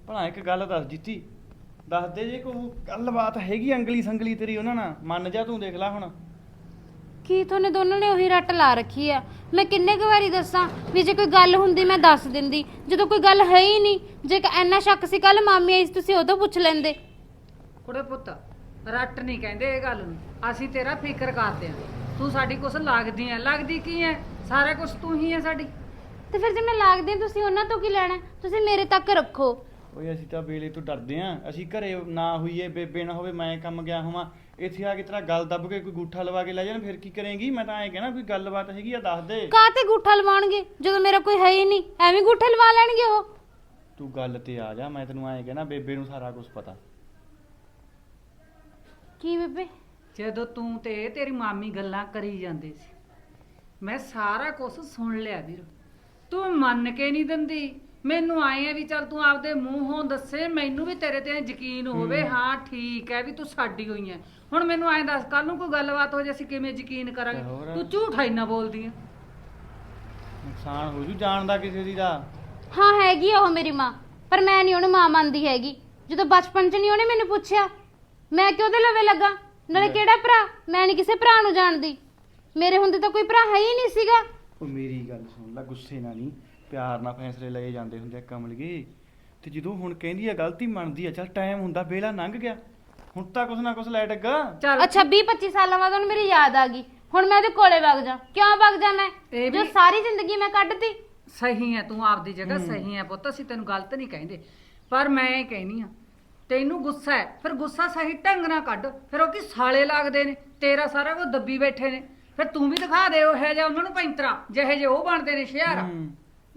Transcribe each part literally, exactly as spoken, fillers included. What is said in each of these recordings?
ਭਲਾ ਇੱਕ ਗੱਲ ਦੱਸ ਜੀਤੀ, ਦੱਸ ਦੇ ਜੇ ਕੋਈ ਗੱਲਬਾਤ ਹੈਗੀ ਅੰਗਲੀ ਸੰਗਲੀ ਤੇਰੀ ਉਹਨਾਂ ਨਾਲ, ਮੰਨ ਜਾ ਤੂੰ, ਦੇਖ ਲੈ ਹੁਣ। ਕੀ ਤੁਹਾਨੇ ਦੋਨਾਂ ਨੇ ਉਹੀ ਰੱਟ ਲਾ ਰੱਖੀ ਆ? ਮੈਂ ਕਿੰਨੇ ਕੁ ਵਾਰੀ ਦੱਸਾਂ ਵੀ ਜੇ ਕੋਈ ਗੱਲ ਹੁੰਦੀ ਮੈਂ ਦੱਸ ਦਿੰਦੀ, ਜਦੋਂ ਕੋਈ ਗੱਲ ਹੈ ਹੀ ਨਹੀਂ। ਜੇ ਇੰਨਾ ਸ਼ੱਕ ਸੀ ਕੱਲ ਮਾਮੀ ਆਈ ਸੀ ਤੁਸੀਂ ਉਦੋਂ ਪੁੱਛ ਲੈਂਦੇ। ਕੁੜੇ ਪੁੱਤ, ਰੱਟ ਨਹੀਂ ਕਹਿੰਦੇ ਇਹ ਗੱਲ ਨੂੰ, ਅਸੀਂ ਤੇਰਾ ਫਿਕਰ ਕਰਦੇ ਆਂ। ਤੂੰ ਸਾਡੀ ਕੁਛ ਲੱਗਦੀ ਐ, ਲੱਗਦੀ ਕੀ ਐ? ਸਾਰਾ ਕੁਛ ਤੂੰ ਹੀ ਐ ਸਾਡੀ। ਤੇ ਫਿਰ ਜੇ ਮੈਂ ਲੱਗਦੀ ਤੁਸੀਂ ਉਹਨਾਂ ਤੋਂ ਕੀ ਲੈਣਾ? ਤੁਸੀਂ ਮੇਰੇ ਤੱਕ ਰੱਖੋ। ਓਏ ਅਸੀਂ ਤਾਂ ਵੇਲੇ ਤੋਂ ਡਰਦੇ ਆਂ, ਅਸੀਂ ਘਰੇ ਨਾ ਹੋਈਏ, ਬੇਬੇ ਨਾ ਹੋਵੇ, ਮੈਂ ਕੰਮ ਗਿਆ ਹੋਵਾਂ, ਇੱਥੇ ਆ ਕੇ ਤੇਰਾ ਗੱਲ ਦੱਬ ਕੇ ਕੋਈ ਗੂਠਾ ਲਵਾ ਕੇ ਲੈ ਜਾਣ, ਫਿਰ ਕੀ ਕਰੇਂਗੀ? ਮੈਂ ਤਾਂ ਐਂ ਕਹਿਣਾ ਕੋਈ ਗੱਲਬਾਤ ਹੈਗੀ ਆ ਦੱਸ ਦੇ। ਕਾਹ ਤੇ ਗੂਠਾ ਲਵਾਉਣਗੇ ਜਦੋਂ ਮੇਰਾ ਕੋਈ ਹੈ ਹੀ ਨਹੀਂ? ਐਵੇਂ ਗੂਠੇ ਲਵਾ ਲੈਣਗੇ ਉਹ। ਤੂੰ ਗੱਲ ਤੇ ਆ ਜਾ, ਮੈਂ ਤੈਨੂੰ ਐਂ ਕਹਿਣਾ ਬੇਬੇ ਨੂੰ ਸਾਰਾ ਕੁਝ ਪਤਾ। ਕੀ ਬੇਬੇ? ਜਦੋਂ ਤੂੰ ਤੇ ਤੇਰੀ ਮਾਮੀ ਗੱਲਾਂ ਕਰੀ ਜਾਂਦੇ ਸੀ, ਮੈਂ ਸਾਰਾ ਕੁਝ ਸੁਣ ਲਿਆ ਵੀਰ। ਤੂੰ ਮੰਨ ਕੇ ਨਹੀਂ ਦਿੰਦੀ। ਮੈਨੂੰ ਆਏ ਆ ਵੀ ਚੱਲ ਤੂੰ ਆਪਦੇ ਮੂੰਹੋਂ ਦੱਸੇ, ਮੈਨੂੰ ਵੀ ਤੇਰੇ ਤੇ ਯਕੀਨ ਹੋਵੇ। ਹਾਂ ਠੀਕ ਹੈ ਵੀ ਤੂੰ ਸਾਡੀ ਹੋਈ ਹੈ। ਹੁਣ ਮੈਨੂੰ ਐਂ ਦੱਸ, ਕੱਲ ਨੂੰ ਕੋਈ ਗੱਲਬਾਤ ਹੋ ਜੇ ਅਸੀਂ ਕਿਵੇਂ ਯਕੀਨ ਕਰਾਂਗੇ? ਤੂੰ ਝੂਠਾ ਇੰਨਾ ਬੋਲਦੀ ਆ। ਨੁਕਸਾਨ ਹੋ ਜੂ ਜਾਣਦਾ ਕਿਸੇ ਦੀ ਦਾ। ਹਾਂ ਹੈਗੀ ਆ ਉਹ ਮੇਰੀ ਮਾਂ, ਪਰ ਮੈਂ ਨਹੀਂ ਉਹਨੂੰ ਮਾਂ ਮੰਨਦੀ ਹੈਗੀ। ਜਦੋਂ ਬਚਪਨ 'ਚ ਨਹੀਂ ਉਹਨੇ ਮੈਨੂੰ ਪੁੱਛਿਆ, ਮੈਂ ਕਿਉਂ ਉਹਦੇ ਲਵੇ ਲੱਗਾ? ਨਾਲੇ ਕਿਹੜਾ ਭਰਾ? ਮੈਂ ਨਹੀਂ ਕਿਸੇ ਭਰਾ ਨੂੰ ਜਾਣਦੀ। ਮੇਰੇ ਹੁੰਦੇ ਤਾਂ ਕੋਈ ਭਰਾ ਹੈ ਹੀ ਨਹੀਂ ਸੀਗਾ। ਉਹ ਮੇਰੀ ਗੱਲ ਸੁਣ ਲੈ, ਗੁੱਸੇ ਨਾਲ ਨਹੀਂ, ਪਿਆਰ ਨਾਲ ਫੈਸਲੇ ਲਏ ਜਾਂਦੇ ਹੁੰਦੇ ਆ ਕਮਲਗੇ। ਤੇ ਜਦੋਂ ਹੁਣ ਕਹਿੰਦੀ ਆ ਗਲਤੀ ਮੰਨਦੀ ਆ, ਚੱਲ ਟਾਈਮ ਹੁੰਦਾ, ਵੇਲਾ ਲੰਘ ਗਿਆ, ਹੁਣ ਤਾਂ ਕੁਛ ਨਾ ਕੁਛ ਲੈ ਡੱਗਾ। ਚੱਲ ਅੱਛਾ ਵੀਹ ਪੱਚੀ ਸਾਲਾਂ ਬਾਅਦ ਉਹਨੂੰ ਮੇਰੀ ਯਾਦ ਆ ਗਈ, ਹੁਣ ਮੈਂ ਉਹਦੇ ਕੋਲੇ ਵਗ ਜਾ? ਕਿਉਂ ਵਗ ਜਾ ਮੈਂ, ਇਹ ਜੋ ਵੀ- ਸਾਰੀ ਜ਼ਿੰਦਗੀ ਮੈਂ ਕੱਢਤੀ? ਸਹੀ ਹੈ, ਤੂੰ ਆਪਦੀ ਜਗ੍ਹਾ ਸਹੀ ਹੈ ਪੁੱਤ, ਅਸੀਂ ਤੈਨੂੰ ਗਲਤ ਨਹੀਂ ਕਹਿੰਦੇ। ਪਰ ਮੈਂ ਇਹ ਕਹਿਨੀ ਆ, ਤੈਨੂੰ ਗੁੱਸਾ ਹੈ, ਫਿਰ ਗੁੱਸਾ ਸਹੀ ਢੰਗ ਨਾਲ ਕੱਢ। ਫਿਰ ਉਹ ਕੀ ਸਾਲੇ ਲੱਗਦੇ ਨੇ, ਤੇਰਾ ਸਾਰਾ ਕੁਝ ਦੱਬੀ ਬੈਠੇ ਨੇ। ਫਿਰ ਤੂੰ ਵੀ ਦਿਖਾ ਦੇ ਉਹ ਹੈ ਜਾਂ ਉਹਨਾਂ ਨੂੰ ਪੈਂਤਰਾ ਜਿਹੇ ਜੇ ਉਹ ਬਣਦੇ ਨੇ ਸ਼ਹਿਰ। ਹੂੰ।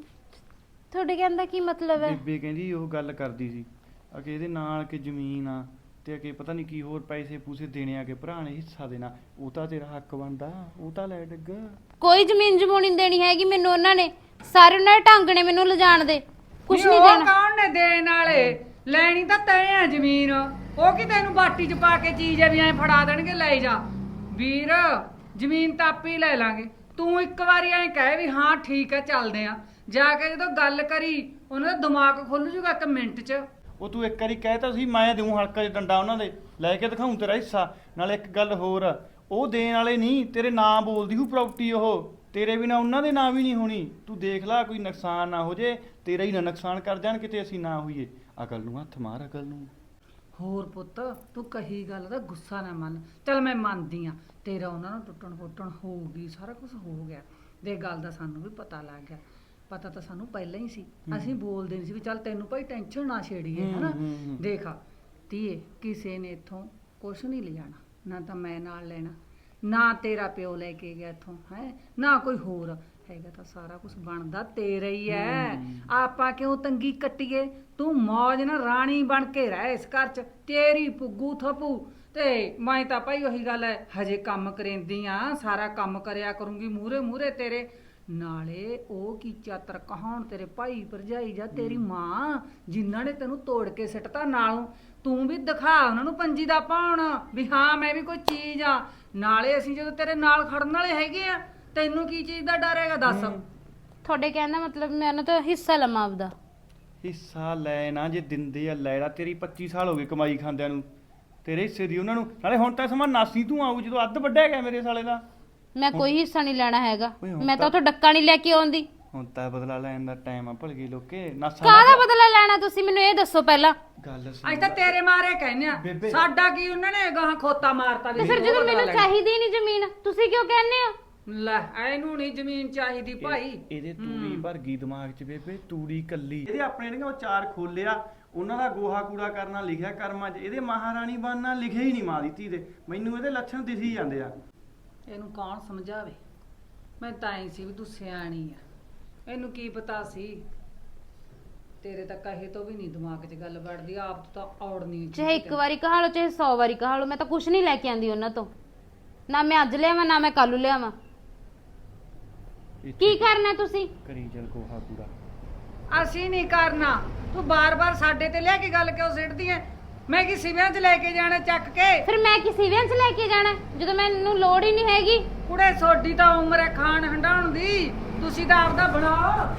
ਤੁਹਾਡੇ ਕਹਿਣ ਦਾ ਕੀ ਮਤਲਬ ਹੈ? ਬੇਬੇ ਕਹਿੰਦੀ ਉਹ ਗੱਲ ਕਰਦੀ ਸੀ ਅਕੇ ਇਹਦੇ ਨਾਲ ਕਿ ਜ਼ਮੀਨ ਆ, ਤੇ ਅਕੇ ਪਤਾ ਨਹੀਂ ਕੀ ਹੋਰ ਪੈਸੇ ਪੂਸੇ ਦੇਣੇ ਆ ਕਿ ਭਰਾ ਨੇ ਹਿੱਸਾ ਦੇਣਾ। ਉਹ ਤਾਂ ਤੇਰਾ ਹੱਕ ਬਣਦਾ, ਉਹ ਤਾਂ ਲੈ ਡੱਗਾ। ਕੋਈ ਜ਼ਮੀਨ ਜਮੂਣੀ ਨਹੀਂ ਦੇਣੀ ਹੈਗੀ ਮੈਨੂੰ ਉਹਨਾਂ ਨੇ। ਸਾਰੇ ਉਹਨਾਂ ਦੇ ਢੰਗ ਨੇ ਮੈਨੂੰ ਲਿਜਾਣ ਦੇ, ਕੁਛ ਨਹੀਂ ਉਹ ਦੇਣਾ। ਕੌਣ ਨੇ ਦੇਣ ਵਾਲੇ? ਲੈਣੀ ਤਾਂ ਤੈਂ ਆ ਜ਼ਮੀਨ। ਉਹ ਕੀ ਤੈਨੂੰ ਬਾਟੀ 'ਚ ਪਾ ਕੇ ਚੀਜ਼ ਐ ਵੀ ਐਂ ਫੜਾ ਦੇਣਗੇ ਲੈ ਜਾ? ਵੀਰ ਜ਼ਮੀਨ ਤਾਂ ਆਪੇ ਹੀ ਲੈ ਲਾਂਗੇ। ਤੂੰ ਇੱਕ ਵਾਰੀ ਐਂ ਕਹਿ ਵੀ ਹਾਂ ਠੀਕ ਹੈ ਚੱਲਦੇ ਆ, ਜਾ ਕੇ ਜਦੋਂ ਗੱਲ ਕਰੀ ਉਹਨਾਂ ਦਾ ਦਿਮਾਗ ਖੁੱਲ ਜੂਗਾ ਇੱਕ ਮਿੰਟ 'ਚ। ਉਹ ਤੂੰ ਇੱਕ ਵਾਰੀ ਕਹਿ ਤਾ ਸੀ ਮੈਂ ਦੇਉਂ ਹਲਕਾ ਜਿਹਾ ਡੰਡਾ ਉਹਨਾਂ ਦੇ, ਲੈ ਕੇ ਦਿਖਾਉਂ ਤੇਰਾ ਹਿੱਸਾ। ਨਾਲੇ ਇੱਕ ਗੱਲ ਹੋਰ, ਉਹ ਦੇਣ ਵਾਲੇ ਨਹੀਂ, ਤੇਰੇ ਨਾਂ ਬੋਲਦੀ ਹੂ ਪ੍ਰਾਪਰਟੀ, ਉਹ ਤੇਰੇ ਬਿਨਾ ਉਹਨਾਂ ਦੇ ਨਾਂ ਵੀ ਨਹੀਂ ਹੋਣੀ। ਤੂੰ ਦੇਖ ਲੈ ਕੋਈ ਨੁਕਸਾਨ ਨਾ ਹੋ ਜੇ, ਤੇਰਾ ਹੀ ਨਾ ਨੁਕਸਾਨ ਕਰ ਜਾਣ ਕਿਤੇ ਅਸੀਂ ਨਾ ਹੋਈਏ। ਅਕਲ ਨੂੰ ਹੱਥ ਮਾਰ, ਅਕਲ ਨੂੰ। ਹੋਰ ਪੁੱਤ, ਤੂੰ ਕਹੀ ਗੱਲ ਦਾ ਗੁੱਸਾ ਨਾ ਮੰਨ। ਚੱਲ ਮੈਂ ਮੰਨਦੀ ਆ, ਤੇਰਾ ਉਹਨਾਂ ਨੂੰ ਟੁੱਟਣ ਫੁੱਟਣ ਹੋਊਗੀ, ਸਾਰਾ ਕੁਝ ਹੋ ਗਿਆ। ਦੇ ਗੱਲ ਦਾ ਸਾਨੂੰ ਵੀ ਪਤਾ ਲੱਗ ਗਿਆ। ਪਤਾ ਤਾਂ ਸਾਨੂੰ ਪਹਿਲਾਂ ਹੀ ਸੀ, ਅਸੀਂ ਬੋਲਦੇ ਨਹੀਂ ਸੀ ਵੀ ਚੱਲ ਤੈਨੂੰ ਭਾਈ ਟੈਨਸ਼ਨ ਨਾ ਛੇੜੀਏ, ਹਨਾ। ਦੇਖ ਧੀਏ, ਕਿਸੇ ਨੇ ਇੱਥੋਂ ਕੁਛ ਨਹੀਂ ਲਿਜਾਣਾ, ਨਾ ਤਾਂ ਮੈਂ ਨਾਲ ਲੈਣਾ, ਨਾ ਤੇਰਾ ਪਿਓ ਲੈ ਕੇ ਗਿਆ ਇੱਥੋਂ, ਹੈ ਨਾ ਕੋਈ ਹੋਰ ਹੈਗਾ। ਤਾਂ ਸਾਰਾ ਕੁਝ ਬਣਦਾ ਤੇਰਾ ਹੀ ਐ। ਆਪਾਂ ਕਿਉਂ ਤੰਗੀ ਕੱਟੀਏ? ਤੂੰ ਮੌਜ ਨਾਲ ਰਾਣੀ ਬਣ ਕੇ ਰਹਿ ਇਸ ਘਰ 'ਚ, ਤੇਰੀ ਪੁੱਗੂ ਥਪੂ। ਤੇ ਮੈਂ ਤਾਂ ਭਾਈ ਉਹੀ ਗੱਲ ਹੈ, ਹਜੇ ਕੰਮ ਕਰੇਂਦੀ ਆ, ਸਾਰਾ ਕੰਮ ਕਰਿਆ ਕਰੂੰਗੀ ਮੂਹਰੇ ਮੂਹਰੇ ਤੇਰੇ। ਨਾਲੇ ਉਹ ਕੀ ਚਾਤਰ ਕਹਾਉਣ ਤੇਰੇ ਭਾਈ ਭਰਜਾਈ ਜਾਂ ਤੇਰੀ ਮਾਂ, ਜਿਨ੍ਹਾਂ ਨੇ ਤੈਨੂੰ ਤੋੜ ਕੇ ਸਿੱਟਤਾ ਨਾਲੋਂ। ਤੂੰ ਵੀ ਦਿਖਾ ਉਹਨਾਂ ਨੂੰ ਪੰਜੀ ਦਾ ਪਾਉਣ ਵੀ ਹਾਂ ਮੈਂ ਵੀ ਕੋਈ ਚੀਜ਼ ਆ। ਨਾਲੇ ਅਸੀਂ ਜਦੋਂ ਤੇਰੇ ਨਾਲ ਖੜਨ ਵਾਲੇ ਹੈਗੇ ਆ, ਤੈਨੂੰ ਕੀ ਚੀਜ਼ ਦਾ ਡਰ ਹੈਗਾ ਦੱਸ? ਤੁਹਾਡੇ ਕਹਿਣ ਦਾ ਮਤਲਬ ਮੈਂ ਉਹਨਾਂ ਤੋਂ ਹਿੱਸਾ ਲਵਾਂ ਆਪਦਾ? ਹਿੱਸਾ ਲੈ ਨਾ, ਜੇ ਦਿੰਦੇ ਆ ਲੈ ਲਾ। ਤੇਰੀ ਪੱਚੀ ਸਾਲ ਹੋ ਗਏ ਕਮਾਈ ਖਾਂਦਿਆਂ ਨੂੰ, ਤੇਰੇ ਹਿੱਸੇ ਦੀ ਉਹਨਾਂ ਨੂੰ। ਨਾਲੇ ਹੁਣ ਤਾਂ ਸਮਾਂ ਨਾਸੀ ਤੂੰ ਆਊ ਜਦੋਂ ਅੱਧ ਵੱਢਿਆ ਗਿਆ ਮੇਰੇ ਸਾਲੇ ਦਾ। ਮੈਂ ਕੋਈ ਹਿੱਸਾ ਨਹੀਂ ਲੈਣਾ ਹੈਗਾ, ਓਏ ਹੁਣ ਮੈਂ ਤਾਂ ਤਾਂ- ਉੱਥੋਂ ਡੱਕਾ ਨਹੀਂ ਲੈ ਕੇ ਆਉਂਦੀ। ਹੁਣ ਤਾਂ ਬਦਲਾ ਲੈਣ ਦਾ ਟਾਈਮ ਆ, ਭਲਗੀ ਲੋਕੇ ਨਾਸਾ। ਕਾਹਦਾ ਬਦਲਾ ਲੈਣਾ ਤੁਸੀਂ ਮੈਨੂੰ ਇਹ ਦੱਸੋ ਪਹਿਲਾਂ। ਗੱਲ ਸੁਣ ਅੱਜ ਤਾਂ ਲੈ। ਤੇਰੇ ਮਾਰੇ ਕਹਿੰਦੇ ਆ, ਬੇਬੇ। ਸਾਡਾ ਕੀ ਉਹਨਾਂ ਨੇ ਗਾਹਾਂ ਖੋਤਾ ਮਾਰਤਾ ਵੀ ਤੇ ਫਿਰ ਉਹ ਜਦੋਂ ਬਦਲਾ ਮੈਨੂੰ ਲੈਣਾ। ਚਾਹੀਦੀ ਨਹੀਂ ਜ਼ਮੀਨ, ਤੁਸੀਂ ਕਿਉਂ ਕਹਿੰਦੇ ਹੋ? ਲੈ ਇਹਨੂੰ ਨਹੀਂ ਜ਼ਮੀਨ ਚਾਹੀਦੀ ਭਾਈ। ਇਹ- ਇਹਦੇ ਤੂੜੀ ਭਰ ਗਈ ਦਿਮਾਗ 'ਚ ਬੇਬੇ, ਤੂੜੀ ਕੱਲੀ। ਇਹਦੇ ਆਪਣੇ ਨੇ ਉਹ ਚਾਰ ਖੋਲਿਆ, ਉਹਨਾਂ ਦਾ ਗੋਹਾ ਕੂੜਾ ਕਰਨਾ ਲਿਖਿਆ ਕਰਮਾਂ 'ਚ, ਇਹਦੇ ਮਹਾਰਾਣੀ ਬਣਨਾ ਲਿਖਿਆ ਹੀ ਨਹੀਂ ਮਾਂ ਦੀ ਧੀ ਦੇ। ਮੈਨੂੰ ਇਹਦੇ ਲੱਛਣ ਦਿਸੀ ਜਾਂਦੇ ਆ। ਇਹਨੂੰ ਕੌਣ ਸਮਝਾਵੇ? ਮੈਂ ਤਾਂ ਹੀ ਸੀ ਵੀ ਤੂੰ ਸਿਆਣੀ ਆ, ਇਹਨੂੰ ਕੀ ਪਤਾ ਸੀ। ਤੇਰੇ ਤਾਂ ਕਹੇ ਤੋਂ ਵੀ ਨਹੀਂ ਦਿਮਾਗ 'ਚ ਗੱਲ ਵੜਦੀ, ਆਪ ਤਾਂ ਔੜ ਨਹੀਂ। ਚਾਹੇ ਇੱਕ ਵਾਰੀ ਕਹਾ ਲਓ ਚਾਹੇ ਸੌ ਵਾਰੀ ਕਹਾ ਲਓ, ਮੈਂ ਤਾਂ ਕੁਝ ਨਹੀਂ ਲੈ ਕੇ ਆਂਦੀ ਉਹਨਾਂ ਤੋਂ। ਨਾ ਮੈਂ ਅੱਜ ਲਿਆਵਾਂ ਨਾ ਮੈਂ ਕੱਲ ਨੂੰ ਲਿਆਵਾਂ। ਕੀ ਕਰਨਾ ਤੁਸੀਂ? ਕਰੀ ਚੱਲ ਗੋਹਾ ਕੂੜਾ। ਅਸੀਂ ਨਹੀਂ ਕਰਨਾ, ਤੂੰ ਬਾਰ-ਬਾਰ ਸਾਡੇ ਤੇ ਲਿਆ ਕੇ ਗੱਲ ਕਿਉਂ ਸਿੱਟਦੀ ਐ? ਮੈਂ ਕੀ ਸਿਵਿਆਂ 'ਚ ਲੈ ਕੇ ਜਾਣਾ ਚੱਕ ਕੇ? ਫਿਰ ਮੈਂ ਕਿਸੇ ਵਿਆਹ 'ਚ ਲੈ ਕੇ ਜਾਣਾ ਜਦੋਂ ਮੈਨੂੰ ਲੋੜ ਹੀ ਨਹੀਂ ਹੈਗੀ? ਕੁੜੇ ਸੋਡੀ ਤਾਂ ਉਮਰ ਹੈ ਖਾਣ ਹੰਡਾਉਣ ਦੀ, ਤੁਸੀਂ ਤਾਂ ਆਪਦਾ ਬਣਾਓ।